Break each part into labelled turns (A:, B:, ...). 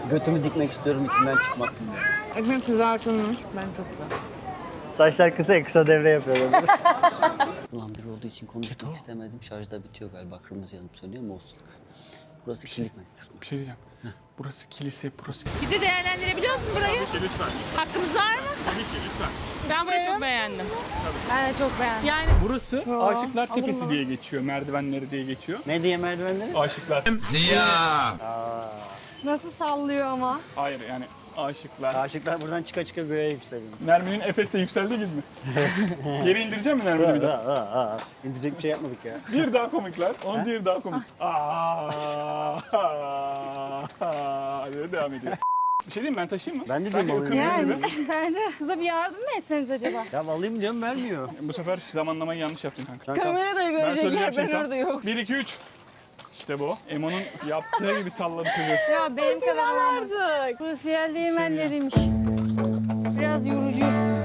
A: Götümü dikmek istiyorum içinden çıkmasın diye.
B: Ekmek kızartılmış. Ben çok güzel.
A: Saçlar kısa ya, kısa devre yapıyorlar. Ulan bir olduğu için konuşmak istemedim. Şarjda bitiyor galiba. Kırmızı yanıp sönüyor mu olsun. Burası kilit kısmı.
C: Bir şey diyeceğim. Burası kilise, burası kilise.
B: Bir de değerlendirebiliyor musun burayı?
C: Tabii ki lütfen.
B: Hakkımız var mı?
C: Tabii ki lütfen.
B: Ben burayı çok beğendim.
D: Ben de çok beğendim.
B: Yani
C: Burası Aşıklar Tepesi diye geçiyor, merdivenleri diye geçiyor.
A: Ne diye merdivenleri?
C: Aşıklar.
D: Nasıl sallıyor ama.
C: Hayır yani Aşıklar.
A: Aşıklar buradan çıka çıka göğe yükseliyor.
C: Nermin'in Efes'te yükseldiği gibi mi? Geri indireceğim mi Nermin'i bir daha?
A: İndirecek bir şey yapmadık ya.
C: Bir daha komikler, onun diğeri daha komik. Diye devam ediyor. Bir şey diyeyim mi? Ben taşıyayım mı?
A: Ben de
C: Sanki
A: diyeyim
C: ıkınıyor
D: Yani
C: gibi.
D: bence kıza bir yardım mı etseniz acaba?
A: Ya alayım diyorum vermiyor.
C: Bu sefer zamanlamayı yanlış yaptın kanka.
B: kamerada
C: Ben
B: görecekler,
C: söyleyeceğim
B: ben
C: şimdi
B: orada yok.
C: 1, 2, 3. İşte bu. Emo'nun yaptığı gibi salladı çocuğu.
D: Ya benim kadar olamadı. Burası yer değirmenleriymiş. Biraz yorucu.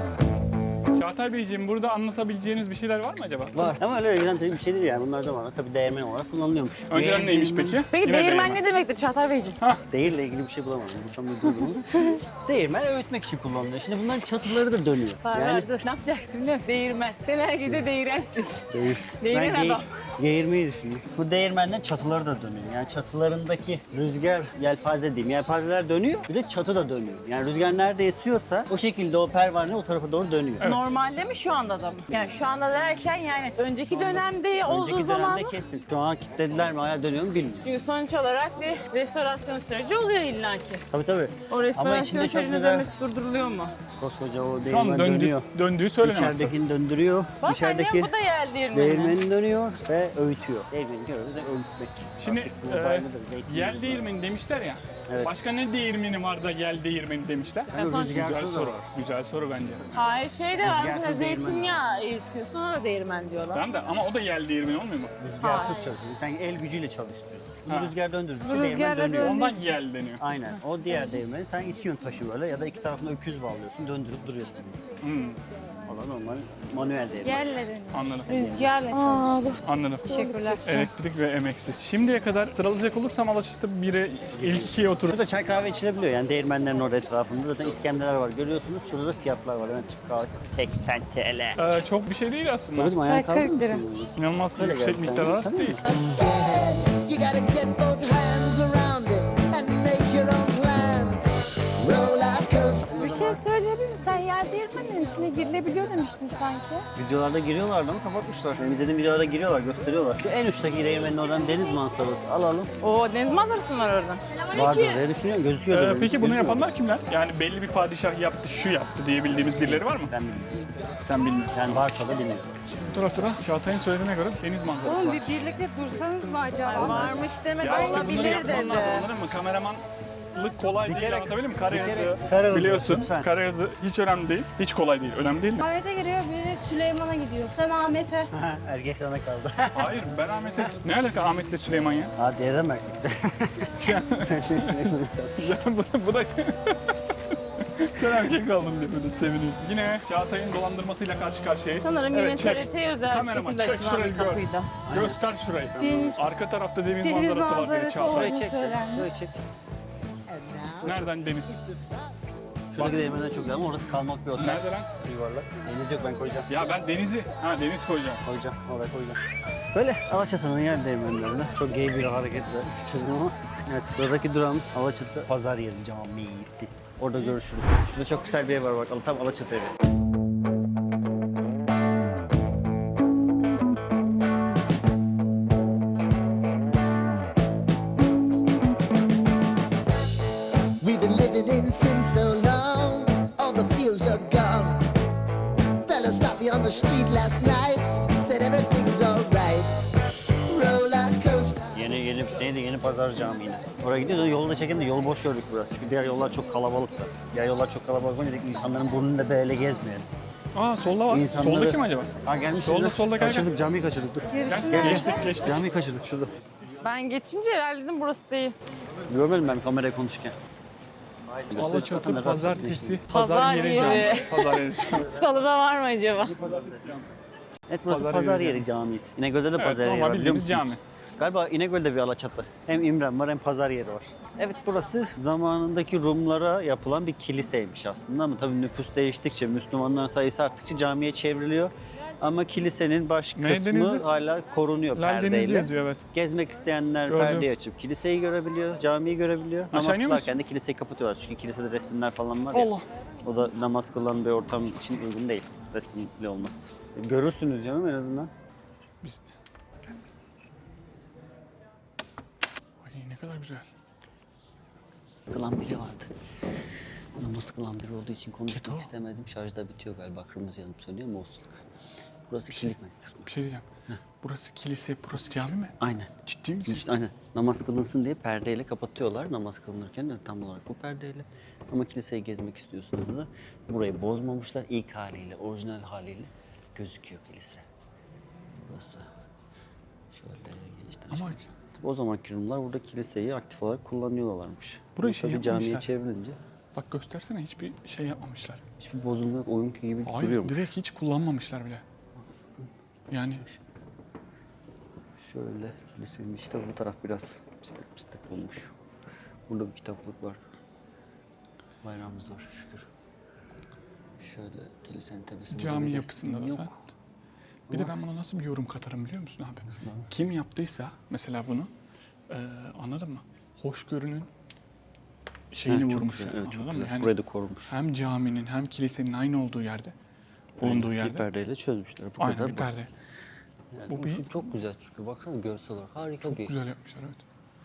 C: Çağatay Beyciğim burada anlatabileceğiniz bir şeyler var mı acaba?
A: Var ama öyle giden bir şey değil yani. Bunlar da var. Tabii değirmen olarak kullanılıyormuş.
C: Önceden neymiş peki?
B: Peki
C: Yine
B: değirmen ne demektir Çağatay Beyciğim?
A: Değirle ilgili bir şey bulamadım. Bulsam da duydum. Değirmen öğütmek için kullanılıyor. Şimdi bunların çatıları da dönüyor. Yani
B: Dur, ne yapacaksın biliyor musun? Değirmen. Sen herkese değirensin.
A: değir.
B: Değirmen
A: Ben
B: adam.
A: Geğirmeyi düşünüyorum. Bu değirmenden çatıları da dönüyor. Yani çatılarındaki rüzgar yelpaze diyeyim. Yelpazeler dönüyor. Bir de çatı da dönüyor. Yani rüzgar nerede esiyorsa o şekilde o pervane o tarafa doğru dönüyor.
B: Normalde mi şu anda da mı? Yani şu anda derken yani önceki dönemde olduğu
A: Önceki
B: zaman
A: dönemde kesin. Şu an kilitlediler mi hala dönüyor mu bilmiyorum.
B: çünkü sonuç olarak bir restorasyon süreci oluyor illaki.
A: Tabii tabii.
B: O
A: Ama
B: restorasyon
A: içinde çok
B: sürecinin
A: güzel
B: dönmesi durduruluyor mu?
A: koskoca o
C: Şu an
A: değirmen dönüyor.
C: döndüğü söylenemez.
A: İçeridekini döndürüyor.
B: Bak
A: İçerideki
B: annem bu da yer değirmeni.
A: değirmeni dönüyor ve öğütüyor. Değirmeni görüyoruz ve öğütmek.
C: Şimdi
A: Artık bu bayradır, zeytin
C: yel
A: gibi.
C: değirmeni demişler ya.
A: Evet.
C: Başka ne değirmeni var da yel değirmeni demişler?
A: Yani
B: Yapan
C: Güzel
A: rüzgarsız da
C: soru.
A: var.
C: Güzel soru bence.
B: Hayır şey de var
A: Rüzgarsız
B: mesela
A: değirmen.
B: zeytinyağı eritiyorsun ona da değirmen diyorlar.
C: Tamam da ama o da yel değirmeni olmuyor mu?
A: Rüzgarsız çalışıyor. Sen el gücüyle çalıştırıyorsun.
C: Ha.
A: Bu rüzgar döndürdükçe
D: Bu
A: değirmen
D: rüzgarla
A: dönüyor.
D: dön-
C: Ondan yel deniyor.
A: Aynen. O diğer değirmeni sen itiyorsun taşı böyle ya da iki tarafına öküz bağlıyorsun, döndürüp duruyorsun.
C: Hmm,
A: Valla normal manuel değirmen.
D: Yerle dönüyor.
C: anladım.
D: Rüzgarla çalışıyor.
C: Anladım.
D: Teşekkürler.
C: Elektrik ve emeksiz. Şimdiye kadar sıralayacak olursam Alaşık'ta biri ilk ikiye oturur.
A: Şurada çay kahve içilebiliyor yani değirmenlerin orada etrafında. Zaten iskemleler var görüyorsunuz. Şurada da fiyatlar var. Hemen çık kahve 80 TL.
C: Çok bir şey değil aslında.
A: Babacım ayağın
D: Çay
A: kaldı mı?
D: 40 lira.
C: İnanılmaz
A: Öyle
C: yüksek
A: geldi.
C: miktarlar
A: Tabii.
C: değil.
E: You gotta get both hands around it and make your own plans. Roller coaster.
D: Bir şey söyleyebilir misin? Sen yer değirmenlerin içine girilebiliyor demiştin sanki.
A: Videolarda giriyorlardı ama kapatmışlar. Benim izlediğim videolarda giriyorlar, gösteriyorlar. Şu en uçtaki değirmenin oradan deniz manzarası alalım.
B: Oo deniz manzarası var orada.
A: Vardır diye düşünüyorum. Gözüküyor da.
C: Peki bunu
A: gözüküyor.
C: yapanlar kimler? Yani belli bir padişah yaptı, şu yaptı diye bildiğimiz birileri var mı?
A: Ben bilmiyorum.
C: Sen bilmiyorsun.
A: Yani varsa da bilmiyorum.
C: Tura Çağatay'ın söylediğine göre deniz manzarası
D: Oğlum
C: var.
D: bir birlikte dursanız mı acaba?
B: Varmış demek
C: Ya işte bunları
B: olabilir
C: yapman
B: dedi.
C: lazım anladın mı? Kameramanlık kolay değil
A: kere-
C: anlatabilir miyim?
A: bir kere-
C: Karayazı
A: Karayazı,
C: biliyorsun.
A: lütfen.
C: Karayazı hiç önemli değil. Hiç kolay değil. Önemli değil mi?
D: Ahmet'e giriyor, biri Süleyman'a gidiyor. Sen Ahmet'e.
A: Erkek sana kaldı.
C: Hayır ben Ahmet'e... Ne alaka Ahmet'le Süleyman ya?
A: Ha diğerden mi erkekte?
C: Ya bu da... Sen erkek kaldın diye böyle seviniyorsun. Yine Çağatay'ın dolandırmasıyla karşı karşıyayız.
B: Sanırım yine
C: çek.
B: TRT özel bir
C: Kameraman
B: şekilde
C: çek
B: açılan
C: şurayı
B: bir
C: gör.
B: kapıydı.
C: Göster şurayı.
D: Deniz-
C: Arka tarafta deniz
D: Deniz
C: manzarası var dedi
D: manzarası
C: Çağatay.
A: Şurayı
D: olduğunu
A: çek.
D: söylendi.
A: Şurayı çek.
C: Nereden deniz?
A: Şuradaki değirmenden çok güzel ama orası kalmak bir otel.
C: Nerede lan?
A: Yuvarlak. Deniz yok ben koyacağım.
C: Ya ben denizi... Ha deniz koyacağım.
A: Koyacağım. Oraya koyacağım. Böyle Alaçatı'nın yer değirmenlerinde. Çok gay bir hareketle kaçırdım ama. Evet sıradaki durağımız Alaçatı Pazar Yeri Camisi. Orada görüşürüz. Şurada çok güzel bir ev var bak. Tam Alaçatı evi.
E: We've been living in sin so long, all the fields are gone. Fella stopped me on the street last night, said everything's alright. Roller coaster.
A: Yeni Pazar Camii yine. Oraya gidiyoruz. Yolda çekin de yol boş gördük biraz. Çünkü diğer yollar çok kalabalıktı. Diğer yollar çok kalabalık olunca dedik insanların burnunu da böyle gezmeyelim.
C: Aa solda var.
A: İnsanları-
C: Solda kim acaba?
A: Ha gelmiş.
C: Solda, gel.
A: Kaçırdık camiyi kaçırdık. Dur.
C: Gel, geçtik.
A: Camiyi kaçırdık şurada.
B: Ben geçince herhalde dedim burası değil.
A: Görmedim ben kameraya konuşurken.
C: Alaçatı Pazartesi.
B: Pazar yeri.
C: Pazar yeri.
B: Salıda var mı acaba?
A: Evet burası
C: Pazar
A: Pazar
C: Yeri
A: Yeri Camisi. İnegöl'de de
C: Evet,
A: Pazar Yeri
C: normal
A: var biliyor
C: bildiğimiz
A: musunuz?
C: cami.
A: Galiba İnegöl'de bir Alaçatı. Hem İmren var hem pazar yeri var. Evet, burası zamanındaki Rumlara yapılan bir kiliseymiş aslında ama tabii nüfus değiştikçe, Müslümanların sayısı arttıkça camiye çevriliyor. Ama kilisenin baş
C: Ne,
A: kısmı
C: Denizli?
A: hala korunuyor
C: Lal Denizli
A: perdeyle.
C: yazıyor, evet.
A: Gezmek isteyenler
C: Gördüm.
A: perdeyi açıp kiliseyi görebiliyor, camiyi görebiliyor.
C: Aşağı
A: Namaz
C: iniyor
A: kılarken de kiliseyi kapatıyorlar çünkü kilisede resimler falan var ya.
B: Allah.
A: O da namaz kılan bir ortam için uygun değil, resimli olması. Görürsünüz canım en azından.
C: Biz... Ay ne kadar güzel.
A: Kılan biri vardı. Namaz kılan biri olduğu için konuşmak
C: Keto.
A: istemedim. Şarjda bitiyor galiba. Kırmızı yanıp sönüyor mu olsun. Burası kilit kısmı.
C: Bir şey diyeceğim. Burası kilise, burası cami mi?
A: Aynen.
C: Ciddi misin?
A: İşte aynen. Namaz kılınsın diye perdeyle kapatıyorlar. Namaz kılınırken de tam olarak bu perdeyle. Ama kiliseyi gezmek istiyorsanız da burayı bozmamışlar. İlk haliyle, orijinal haliyle gözüküyor kilise. Burası. Şöyle genişten.
C: Ama
A: O zamanki Rumlar burada kiliseyi aktif olarak kullanıyorlarmış.
C: Burayı
A: Bu
C: şey
A: tabii camiye
C: yapmamışlar.
A: çevrilince
C: bak göstersene, hiçbir şey yapmamışlar.
A: hiçbir bozulma yok. Oyun gibi
C: Hayır,
A: duruyormuş.
C: direkt hiç kullanmamışlar bile. Yani
A: Şöyle kilisenin işte bu taraf biraz pislik olmuş. Burada bir kitaplık var. Bayrağımız var şükür. Şöyle kilisenin tepesinde
C: cami
A: bir
C: yapısında
A: resim
C: da
A: yok.
C: sen. Bir de ben buna nasıl bir yorum katarım biliyor musun abi?
A: Nasıl abi?
C: Kim yaptıysa mesela bunu, anladın mı? Hoşgörünün şeyini
A: Ha, çok
C: vurmuşlar.
A: güzel, evet, çok
C: Anladın mı?
A: güzel.
C: Yani
A: Burayı da korumuş.
C: hem caminin hem kilisenin aynı olduğu yerde, bulunduğu
A: Bir
C: yerde.
A: perdeyle çözmüşler. Bu
C: Aynen
A: kadar
C: bir
A: basit.
C: perde.
A: Yani
C: Bu
A: bu
C: bir-
A: çok güzel çünkü baksana görsel olarak harika bir
C: Güzel yapmışlar, evet.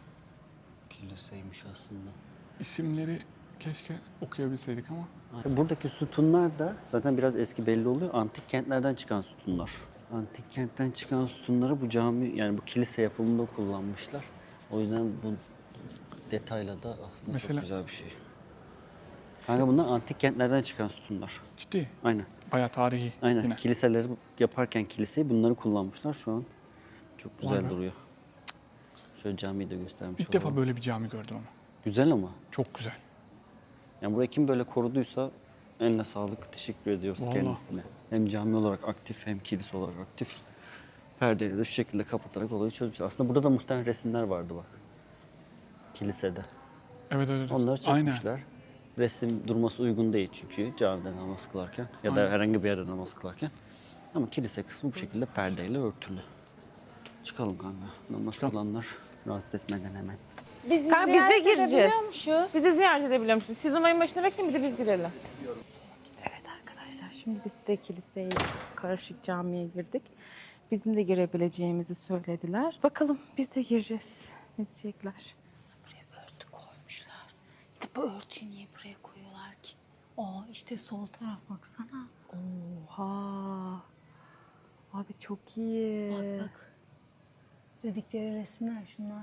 A: kiliseymiş aslında.
C: İsimleri keşke okuyabilseydik ama.
A: Buradaki sütunlar da zaten biraz eski belli oluyor. Antik kentlerden çıkan sütunlar. Antik kentten çıkan sütunları bu cami yani bu kilise yapımında kullanmışlar. O yüzden bu detayla da aslında
C: Mesela-
A: çok güzel bir şey. Kanka bunlar antik kentlerden çıkan sütunlar.
C: Ciddi.
A: Aynen.
C: Bayağı tarihi.
A: Aynen.
C: Yine.
A: Kiliseleri yaparken kiliseyi bunları kullanmışlar. Şu an çok güzel
C: Vay be.
A: duruyor. Şöyle camiyi de göstermiş
C: İlk
A: olalım.
C: defa böyle bir cami gördüm ama.
A: Güzel ama.
C: Çok güzel.
A: Yani burayı kim böyle koruduysa eline sağlık, teşekkür ediyoruz
C: Vallahi.
A: kendisine. Hem cami olarak aktif hem kilise olarak aktif. Perdeyi de şu şekilde kapatarak olayı çözmüş. Aslında burada da muhtemelen resimler vardı bak. Kilisede.
C: Evet evet.
A: Onları
C: Aynen.
A: çekmişler. Resim durması uygun değil çünkü camide namaz kılarken ya da
C: Aynen.
A: herhangi bir yerde namaz kılarken. Ama kilise kısmı bu şekilde perdeyle örtülü. Çıkalım kanka. Namaz
C: Çıkalım.
A: kılanlar rahatsız etmeden hemen.
B: Kanka biz de gireceğiz. Biz de ziyaret edebiliyormuşuz. Siz umarım başına bekleyin, bir de biz girelim. Evet arkadaşlar, şimdi biz de kiliseye, karışık camiye girdik. Bizim de girebileceğimizi söylediler. Bakalım biz de gireceğiz. Ne diyecekler? Buraya örtü koymuşlar. Bir de bu örtüyü niye buraya koyuyorlar ki? İşte sol taraf baksana. Oha. Abi çok iyi. Bak. Dedikleri resimler şunlar.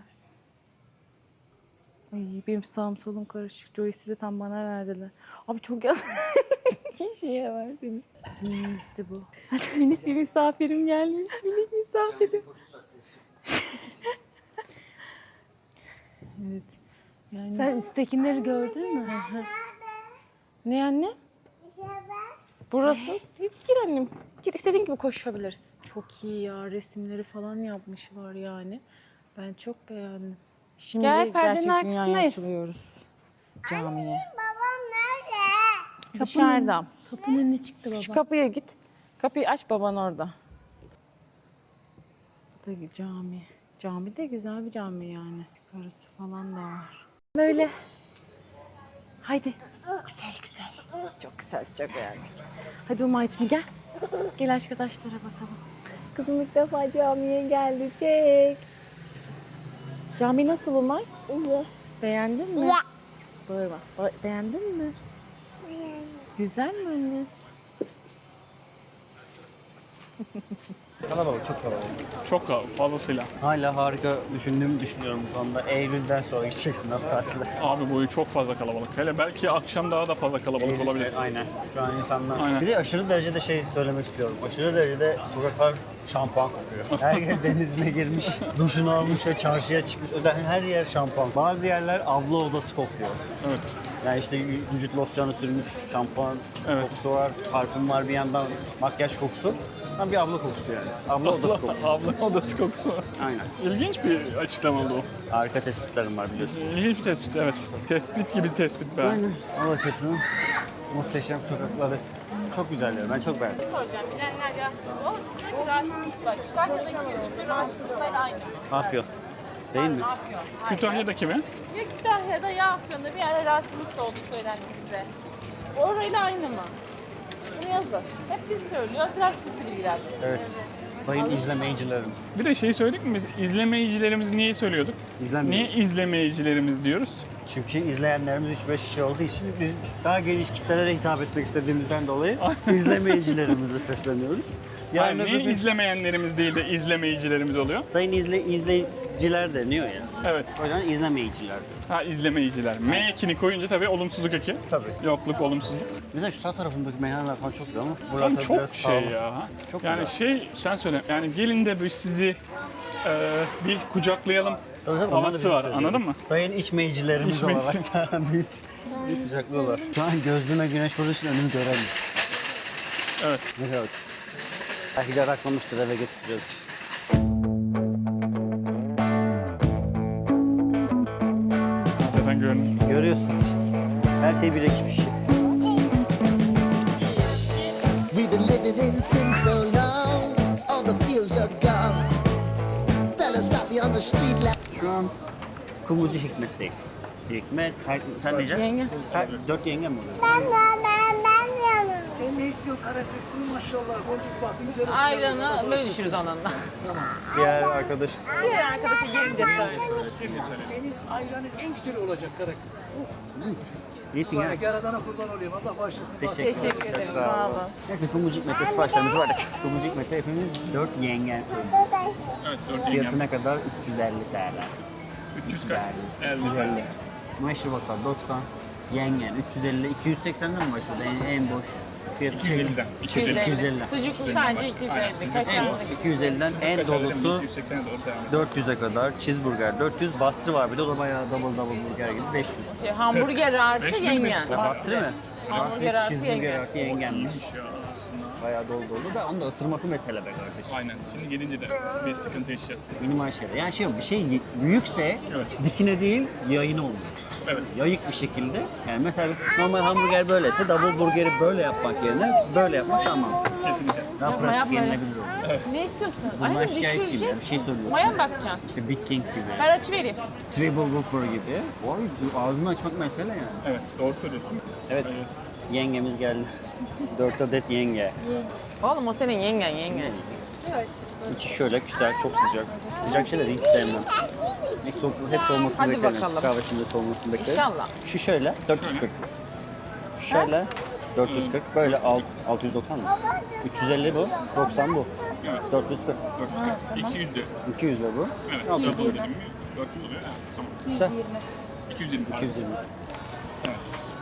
B: Ay benim sağım solum karışık. Joyce'i de tam bana verdiler. Abi çok yanlış şeye verdiniz. İşte bu. Minik bir misafirim gelmiş. Minik misafirim. Evet. Yani...
D: Sen üsttekileri gördün mü?
B: Ne anne? Burası. Gir annem. Gir, istediğin gibi koşabilirsin. Çok iyi ya. Resimleri falan yapmışlar yani. Ben çok beğendim. Şimdi
D: Gel, perdenin
B: gerçek dünyaya
D: arkasındayız.
B: açılıyoruz. Camiye.
E: Babam nerede?
B: Dışarıda.
D: Kapının önüne çıktı baba.
B: Şu kapıya git. Kapıyı aç, baban orada. Bu da cami. Cami de güzel bir cami yani. Karısı falan da var. Böyle. Haydi. Güzel güzel. Çok güzel, çok beğendik. Hadi Umay'cığım gel. Gel arkadaşlara bakalım. Kızım ilk defa camiye geldi. Çek. Cami nasıl Umay?
E: İyi.
B: Beğendin mi?
E: Ya.
B: Bağırma. Beğendin mi? Güzel mi anne?
A: Kalabalık, çok kalabalık.
C: Çok fazlasıyla.
A: Hala harika düşündüğümü düşünüyorum bu konuda. Eylül'den sonra gideceksin hafta tatile.
C: Abi boyu çok fazla kalabalık. Hele belki akşam daha da fazla kalabalık olabilir.
A: Aynen. Şu an insanlar...
C: Aynen.
A: Bir de aşırı derecede şey söylemek istiyorum. Aşırı derecede sokaklar şampuan kokuyor. Herkes denizine girmiş, duşunu almış ve çarşıya çıkmış. Özellikle her yer şampuan. Bazı yerler abla odası kokuyor.
C: Evet.
A: Yani işte vücut losyonu sürmüş, şampuan
C: Evet.
A: kokusu var, parfüm var bir yandan, makyaj kokusu. Tam bir abla kokusu yani. Abla odası kokusu.
C: Abla odası kokusu.
A: Aynen.
C: İlginç bir açıklama oldu o.
A: Harika tespitlerim var biliyorsun.
C: İlginç bir tespit, evet. Tespit gibi tespit be.
A: Aynen. Alaçatı'nın muhteşem sokakları. Çok güzel ya. Ben çok beğendim.
B: Soracağım. Bilenler yazsın. Alaçatı'daki rahatsızlıklar. Kütahya'daki rahatsızlıklar aynı.
A: Afyon. Değil mi?
B: Afyon.
C: Kütahya'daki mi?
B: Ya Kütahya'da ya Afyon'da bir ara rahatsızlık olduğu söylendi bize. Orayla aynı mı? Bunu yazın. Hep biz söylüyor. Biraz sıfır ilgilendim.
A: Evet. Sayın izleyicilerim.
C: Bir de şeyi söyledik mi biz? İzlemeyicilerimiz niye söylüyorduk?
A: İzlenmiyoruz.
C: Niye izlemeyicilerimiz diyoruz?
A: Çünkü izleyenlerimiz 3-5 kişi olduğu için biz daha geniş kitlelere hitap etmek istediğimizden dolayı izlemeyicilerimize sesleniyoruz.
C: Yani
A: öbür
C: niye
A: gün
C: izlemeyenlerimiz değil de izlemeyicilerimiz oluyor?
A: sayın izleyiciler deniyor ya.
C: Evet.
A: O yüzden izlemeyiciler.
C: Ha, izlemeyiciler. M ekini koyunca tabii olumsuzluk eki.
A: Tabii.
C: Yokluk, olumsuzluk.
A: Mesela şu sağ tarafındaki meyhaneler falan çok güzel ama
C: Tam
A: buralar tabii
C: çok
A: biraz
C: şey
A: pahalı.
C: ya.
A: Çok
C: yani
A: güzel.
C: şey, sen söyle. Yani gelin de biz sizi bir kucaklayalım
A: Tabii, tabii, onlar da
C: havası
A: bizi
C: var.
A: seviyor.
C: Anladın mı?
A: Sayın içmeyicilerimiz
C: İçmeyici.
A: olarak da biz kucaklıyorlar. Şu an gözlüğüme güneş vurduğu için önümü göremiyorum.
C: Evet.
A: Ne kadar. Belki de raklamıştır eve getiriyoruz.
C: Zaten görünüyor.
A: Görüyorsunuz. Her şey bir ekip işi.
E: We've been living in sin so long, all the fields are gone. Fella stopped me on the street last.
A: Şu an Kumlucu Hikmet'teyiz. Hikmet, sen neyeceksin?
B: Yenge.
A: 4 yenge mi oluyor?
F: Senin ne istiyorsun kara kısmı maşallah. Boncuk bahtın üzerine.
B: Ayranı böyle düşürüz onunla.
A: Diğer arkadaş.
B: Diğer arkadaşa gelince söyle.
F: Senin ayranın en güzeli olacak kara kız.
A: İyisin ya.
F: Bana yaradana kurban olayım. Allah bağışlasın.
B: Teşekkür ederim. Sağ olun.
A: Neyse Kumlucu Hikmet'te siparişlerimiz var. Kumlucu Hikmet'te hepimiz 4 yengen söylüyoruz.
C: Evet, 4
A: Fiyatı
C: yengem.
A: ne kadar? 350 TL.
C: 300 kaç? 50
A: 350. Meşrubatlar 90. Yengen 350. 280'den mi başladı? En boş fiyatı
C: 250'den.
A: 250.
B: Sucuklu sadece 250.
A: En
B: Kaşarlı.
A: boş 250'den en dolusu
C: 280'e doğru devam.
A: 400'e kadar. Cheeseburger 400. Bastı var bir de o da bayağı double burger gibi 500.
B: Hamburger artı
C: 500
B: yengen.
A: Ya bastı mı?
B: Hamburger artı
A: Cheeseburger
B: yengen.
A: artı yengenmiş.
C: Ya aslında.
A: Bayağı dolu dolu da onun da ısırması mesele be kardeşim.
C: Aynen. Şimdi gelince de bir sıkıntı yaşayacağız.
A: Minimal şeyler. Yani şey yok, bir şey büyükse
C: Evet.
A: dikine değil yayına olmuyor.
C: Evet.
A: Yayık bir şekilde. Yani mesela normal hamburger böyleyse double burgeri böyle yapmak yerine böyle yapmak tamam.
C: Kesinlikle.
A: Daha
B: Yapma,
A: pratik
B: yapma.
A: yenilebilir olur.
B: Ne istiyorsun?
A: Bundan
B: Anneciğim
A: şikayetçiyim ya, bir şey
B: düşüreceksin.
A: söylüyorum.
B: Maya mı bakacaksın?
A: İşte Big King gibi,
B: Ben açı vereyim.
A: Triple Whopper gibi. Vay ağzını açmak mesele yani.
C: Evet, doğru söylüyorsun.
A: Evet, yengemiz geldi. 4 adet yenge.
B: Oğlum o senin yengen.
A: İçi şöyle güzel, çok sıcak. Sıcak şeyleri hiç sevmem. Hep soğumasını
B: Hadi
A: beklerim.
B: bakalım.
A: Kahve şimdi soğumasını beklerim.
B: İnşallah.
A: Şu şöyle 440. Şöyle 440. Böyle 690 mı? 350 bu. 90 bu.
C: Evet.
A: 440.
C: 200 de.
A: 200 de bu.
C: Evet.
A: 600
C: 400
A: bu.
C: dedim mi? 400 oluyor. Evet. Tamam.
A: Güzel.
C: 220.
A: 220.
C: Evet.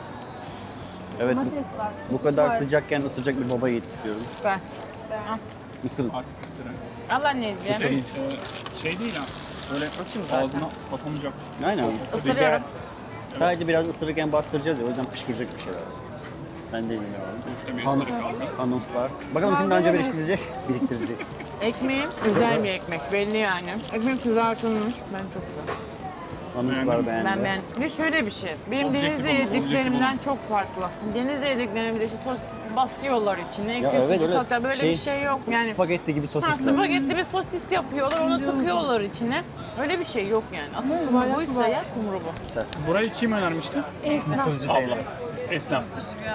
A: Evet bu kadar sıcakken ısıracak bir baba yiğit istiyorum.
B: Ben.
A: Isırın.
C: Artık ısıra.
B: Al anneciğim.
C: Şey değil ha. Böyle ağzına atamayacak.
A: Aynen.
B: Isırıyorum.
A: Sadece biraz ısırırken bastıracağız ya o yüzden fışkıracak bir şeyler. Sen de bilmiyorum.
C: İşte bir ısırık aldı.
A: Anonslar. Bakalım kim daha önce biriktirecek.
B: Ekmeğim güzel bir ekmek belli yani. Ekmek kızartılmış. Ben çok güzel.
A: Anonslar beğendi.
B: Ben beğendim. Ve şöyle bir şey. Benim
C: Objektif
B: denizde
C: olun,
B: yediklerimden çok farklı. Denizde yediklerimizde işte sosis basıyorlar içine.
A: Ya
B: iki
A: evet,
B: sucuk
A: öyle
B: atıyor. Böyle
A: şey-
B: bir şey yok. Yani
A: Spagetti gibi
B: ha,
A: sosisler.
B: spagetti bir sosis yapıyorlar, onu tıkıyorlar içine. Öyle bir şey yok yani. Asıl kumru buysa ya kumru bu.
C: Burayı kim önermişti?
A: Mısırcı
C: Abla.
A: teyze.
C: Esnaf.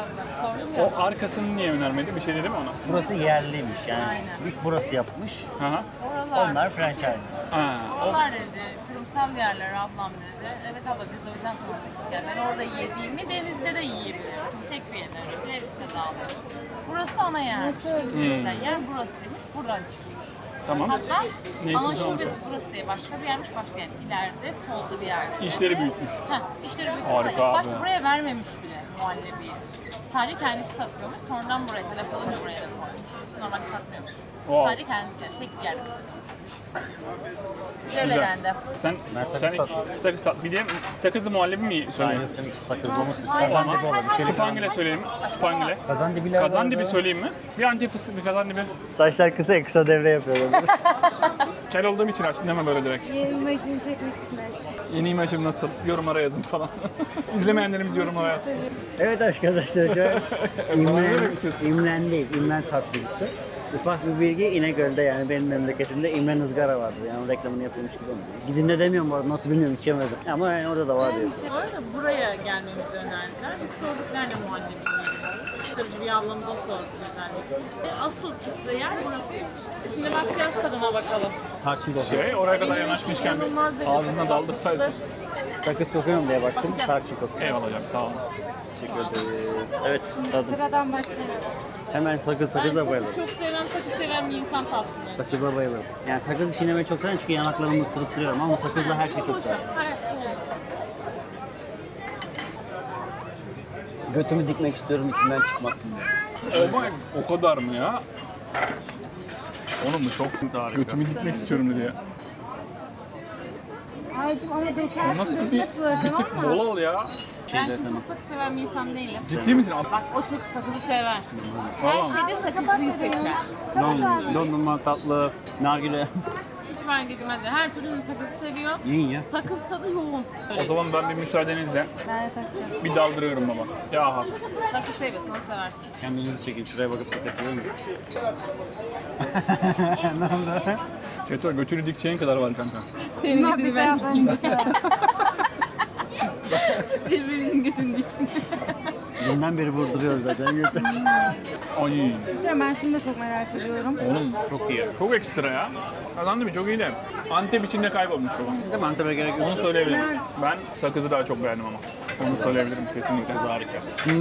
C: O arkasını niye önermedi? Bir şey dedi mi ona?
A: Burası yerliymiş yani. İlk burası yapmış.
C: Hı hı.
A: Onlar franchise.
C: Ha.
G: Onlar dedi, kurumsal yerler ablam dedi. Evet abla biz de o yüzden sormak istedim. Ben orada yediğimi denizde de yiyebiliyorum. Çünkü tek bir yerden öyle hepsi de dağılıyor. Burası ana yermiş. Gerçekten yer burasıymış, buradan çıkmış.
C: Tamam.
G: Hatta
C: Neyse,
G: ana
C: tamam.
G: şubesi burası değil, başka bir yermiş, başka yer. İleride solda bir yerde.
C: İşleri büyütmüş.
G: Heh, işleri büyük.
C: Harika
G: Ama
C: abi.
G: başta buraya vermemiş bile. muhallebi. Sadece kendisi satıyormuş. Sonradan buraya telef alınca buraya da koymuş. Normalde satmıyormuş.
C: Wow.
G: Sadece kendisi. Tek bir yerde satıyormuş. Develendi.
C: Sen
A: sakız tatlı.
C: sakız tatlı. Bir de sakızlı muhallebi mi
A: Hayır
C: söyleyeyim?
A: yok canım, sakızlı olmasın.
G: Hayır.
A: Kazandibi olur. Bir şey
C: Spangile söyleyeyim mi? Spangile.
A: Kazandibiler
C: Kazandibi
A: vardı.
C: söyleyeyim mi? Bir antep fıstıklı kazandibi.
A: Saçlar kısa ya, kısa devre yapıyorlar.
C: Kel olduğum için açtım deme böyle direkt.
D: Yeni imajını çekmek için açtım.
C: Yeni imajım nasıl? Yorumlara yazın falan. İzlemeyenlerimiz yorumlara yazsın.
A: Evet arkadaşlar şu an
C: Bana ne demek istiyorsun?
A: İmren'deyiz. İmren tatlıcısı. Ufak bir bilgi, İnegöl'de yani benim memleketimde İmren ızgara vardı. Yani reklamını yapılmış gibi olmuyor. Gidin de demiyorum bu arada, nasıl bilmiyorum, içemedim. Ama yani orada da var diyor.
G: Sonra buraya gelmemizi önerdiler. Biz sorduk nerede muhallebi yiyelim. Tabii bir ablamıza sorduk özellikle. Asıl çıktığı yer burasıymış. Şimdi bakacağız, tadına bakalım.
A: Tarçın kokuyor.
C: Oraya kadar
G: Benim
C: yanaşmışken
G: için inanılmaz
C: bir
G: derecede
C: ağzına daldırsaydın.
A: Sakız kokuyor mu diye baktım, tarçın kokuyor.
C: Eyvallah hocam, sağ olun.
A: Teşekkür ederiz. Evet, tadım.
D: Sıradan başlayalım.
A: Hemen sakızla
G: Ben
A: bayılırım.
G: sakız çok seven, sakız seven bir insan tatlıyım.
A: Sakızla bayılırım. Yani sakız çiğnemeyi çok severim çünkü yanaklarımı ısırıp ama sakızla her şeyi çok severim. Götümü dikmek istiyorum içinden çıkmasın diye.
C: Oh my, o kadar mı ya? Oğlum bu çok harika. Götümü gitmek istiyorum diye.
D: Aycım ama dökersin.
C: Nasıl bir tık bol al ya.
G: Ben çok sakız seven bir insan değilim.
C: Ciddi misin?
G: Bak o çok sakızı sever. Her
C: Tamam.
G: şeyde sakızlıyı seçer.
A: Dondurma, tatlı, nargile.
G: Hiç fark etmez. Her türlü sakızı seviyor.
A: Yiyin ya.
G: Sakız tadı yoğun.
C: O zaman ben bir müsaadenizle
D: Ben de takacağım.
C: bir daldırıyorum baba. Ya hak.
G: Sakız seviyorsan seversin.
A: Kendinizi çekin. Şuraya bakıp dikkat ediyor musunuz?
C: Çeto götünü dikeceğin kadar var kanka.
G: Senin
D: Bunlar
G: götünü
D: bize
G: ben
D: yapın.
G: dikeyim. Birbirinizin götünü dikin.
A: Dünden beri vurduruyoruz zaten.
C: Ay.
D: Ben şunu da çok merak ediyorum.
C: Oğlum çok iyi. Çok ekstra ya. Kazandı mı? Çok iyi de. Antep içinde kaybolmuş baba.
A: Değil mi? Antep'e gerek yok.
C: Onu söyleyebilirim. Ben sakızı daha çok beğendim ama. Onu söyleyebilirim kesinlikle harika.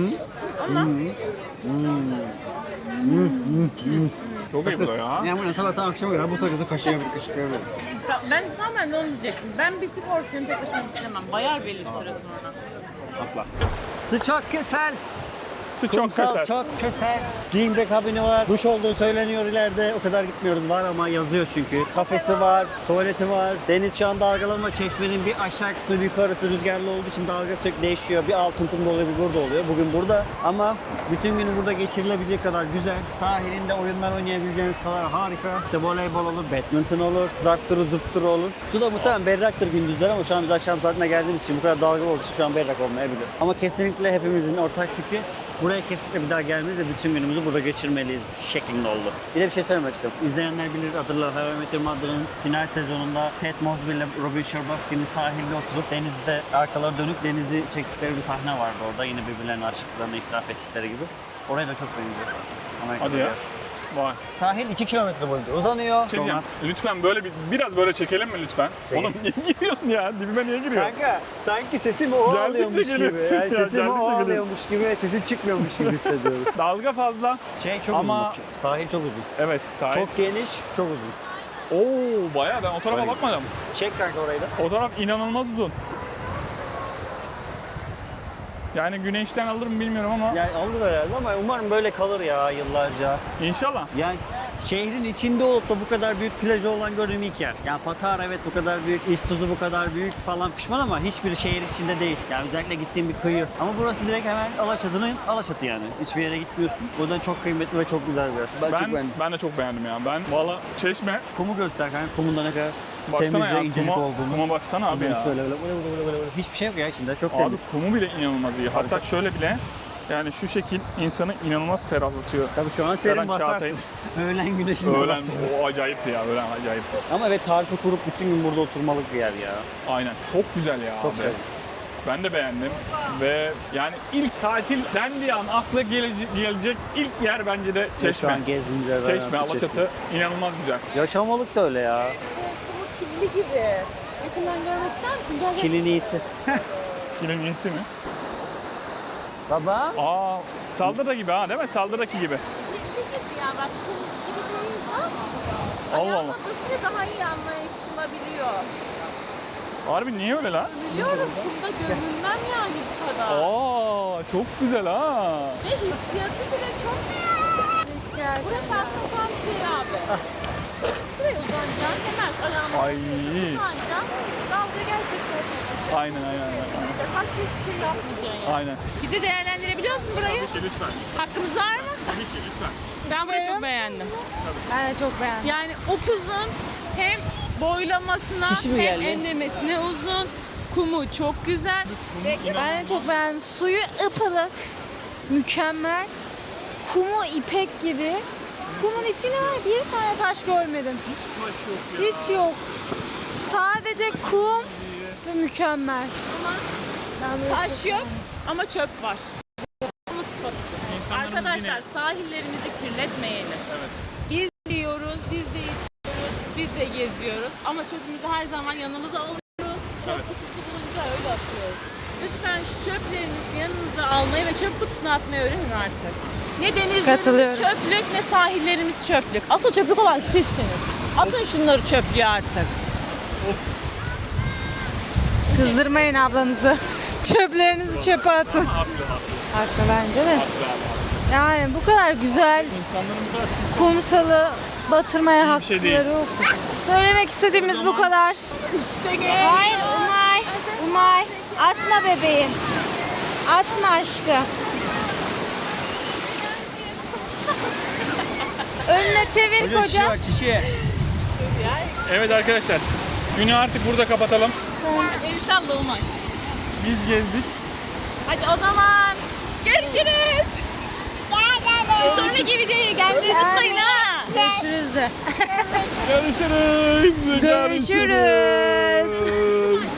C: Çok iyi bu da ya.
A: Yani bunu sabahtan akşama kadar bu sakızı kaşıklayabiliriz.
G: Ben tamamen de onu diyecektim. Ben bir porsiyon tek başına bitiremem. Bayar belli bir süre sonra.
C: Asla.
A: Sıcak kesel.
C: Çok
A: Kumsal
C: keser.
A: çok keser. Giyimde kabini var. Duş olduğu söyleniyor ileride. O kadar gitmiyoruz. Var ama yazıyor çünkü. Kafesi var, tuvaleti var. Deniz şu an dalgalanma. Çeşmenin bir aşağı kısmı bir yukarısı rüzgarlı olduğu için dalga sürekli değişiyor. Bir altın kumda oluyor, bir burada oluyor. Bugün burada. Ama bütün günü burada geçirilebilecek kadar güzel. Sahilinde oyunlar oynayabileceğiniz kadar harika. İşte voleybol olur, badminton olur, zartturu zurtturu olur. Su da muhtemelen berraktır gündüzler ama şu an biz akşam saatine geldiğimiz için bu kadar dalgalı olduğu için şu an berrak olmayabilir. Ama kesinlikle hepimizin ortak fikri buraya kesinlikle bir daha gelmeliyiz ve bütün günümüzü burada geçirmeliyiz şeklinde oldu. Bir de bir şey söylemek istiyorum. İzleyenler bilir, hatırlar. How I Met Your Mother'ın final sezonunda Ted Mosby ile Robin Scherbatsky'nin sahilde oturup denizde arkaları dönüp denizi çektikleri bir sahne vardı orada. Yine birbirlerine aşıklarını itiraf ettikleri gibi. Oraya da çok benziyor. Amerika'da
C: Hadi ya.
A: bir yer.
C: Vay.
A: Sahil 2 kilometre boyunca uzanıyor.
C: Şey diyeceğim,
A: Donat.
C: lütfen böyle biraz böyle çekelim mi lütfen?
A: Çekelim.
C: Oğlum niye giriyorsun ya? Dibime niye giriyorsun?
A: Kanka sanki sesimi o
C: Geldikçe
A: alıyormuş gibi.
C: geliyorsun
A: Yani
C: ya,
A: sesimi o
C: geldikçe
A: alıyormuş gibi ve sesim çıkmıyormuş gibi hissediyorum.
C: Dalga fazla.
A: Şey çok
C: Ama-
A: uzun. bak, Sahil çok uzun.
C: Evet sahip.
A: Çok geniş, çok uzun.
C: Oo bayağı ben o tarafa
A: Öyle.
C: bakmadım.
A: Çek kanka orayı da.
C: O taraf inanılmaz uzun. Yani güneşten alır mı bilmiyorum ama
A: Yani alır herhalde ama umarım böyle kalır ya yıllarca.
C: inşallah.
A: Yani şehrin içinde olup da bu kadar büyük plajı olan gördüğüm ilk yer. Yani Patara evet bu kadar büyük, İztuzu bu kadar büyük falan pişman ama hiçbir şehir içinde değil. Yani özellikle gittiğim bir kıyı. Ama burası direkt hemen Alaçatı'nın Alaçatı yani. Hiçbir yere gitmiyorsun. O yüzden çok kıymetli ve çok güzel bir yer.
C: Ben de çok beğendim ya. Ben valla Çeşme
A: Kumu göster kanka. Kumun da ne kadar
C: baksana
A: temiz ve
C: ya.
A: incecik olduğunu.
C: Kuma baksana abi
A: Yani
C: ya.
A: şöyle böyle. Hiçbir şey yok ya içinde. Çok
C: Abi
A: temiz.
C: kumu bile inanılmaz iyi. Hatta şöyle bile yani şu şekil insanı inanılmaz ferahlatıyor.
A: Tabii şu an serin
C: Ferhan
A: basarsın.
C: Çağatay'ın
A: Öğlen güneşinde
C: öğlen
A: basarsın.
C: o acayipti ya. Öğlen acayipti.
A: Ama evet tarifı kurup bütün gün burada oturmalık bir yer ya.
C: Aynen. Çok güzel ya
A: Çok
C: abi.
A: güzel.
C: Ben de beğendim ve yani ilk tatil dendiği an akla gelecek ilk yer bence de
A: Şu
C: Çeşme.
A: an gezdiğimiz yerler
C: Çeşme,
A: arası
C: Alaçatı inanılmaz güzel.
A: Yaşamalık da öyle ya.
G: Bu kirli gibi. Yakından görmek ister misin? Gel gel.
A: Kilin iyisi.
C: Kimin iyisi mi?
A: Baba.
C: Aa, Saldırı gibi ha değil mi? Saldırı'daki gibi.
G: Kirli gibi ya bak. Kirli gibi değil ama.
C: Allah Allah.
G: Ayağıma basınca daha iyi anlaşılabiliyor.
C: Harbi niye öyle lan?
G: Biliyorum kumda görünmem yani bu kadar.
C: Aa, çok güzel ha.
G: Ve hissiyatı bile çok Burası aslında tam şey abi. Şuraya uzanacaksın, hemen ayağını
C: Ay.
G: uzanacaksın. Dalga gerçekten.
C: Aynen.
G: Başka hiçbir şey yapmayacaksın yani.
C: Aynen.
G: Bir de değerlendirebiliyor musun burayı?
C: Tabii ki lütfen.
G: Hakkımız var mı?
C: Tabii ki lütfen.
G: Ben burayı çok beğendim.
B: Ben de çok beğendim.
G: Yani upuzun, hem boylamasına
A: Kişi mi
G: hem
A: geldi?
G: enlemesine uzun. Kumu çok güzel.
B: Ben de çok beğendim. Suyu ıpılık, mükemmel. Kumu ipek gibi. Kumun içine var bir tane taş görmedim. Hiç yok. Sadece kum ve mükemmel.
G: Taş yok ama çöp var.
C: İnsanlarımız
G: Arkadaşlar
C: yine-
G: sahillerimizi kirletmeyelim.
C: Evet.
G: Biz yiyoruz, biz de içiyoruz, biz de geziyoruz ama çöpümüzü her zaman yanımıza alıyoruz. Çöp
C: Evet.
G: kutusu bulunca öyle atıyoruz. Lütfen şu çöplerinizi yanınıza almayı ve çöp kutusuna atmayı öğrenin artık. Ne denizlerimiz
B: Katılıyorum.
G: çöplük ne sahillerimiz çöplük. Asıl çöplük olan sizsiniz. Atın şunları çöplüğe artık.
B: Kızdırmayın ablanızı. Çöplerinizi çöpe atın. Haklı bence de. Yani bu kadar güzel
C: İnsanların bu kadar pis
B: kumsalı batırmaya
C: İyi bir şey değil.
B: hakları yok. Söylemek istediğimiz bu kadar.
G: İşte gel.
B: Hayır Umay. Umay. Atma bebeğim. Atma aşkım. Önüne çevir koca.
A: çişi.
C: Evet arkadaşlar. Günü artık burada kapatalım.
G: El salla Umay.
C: Biz gezdik.
G: Hadi o zaman görüşürüz. Sonraki videoya gelmeyi unutmayın ha.
B: Görüşürüz de.
C: Görüşürüz.
B: Görüşürüz.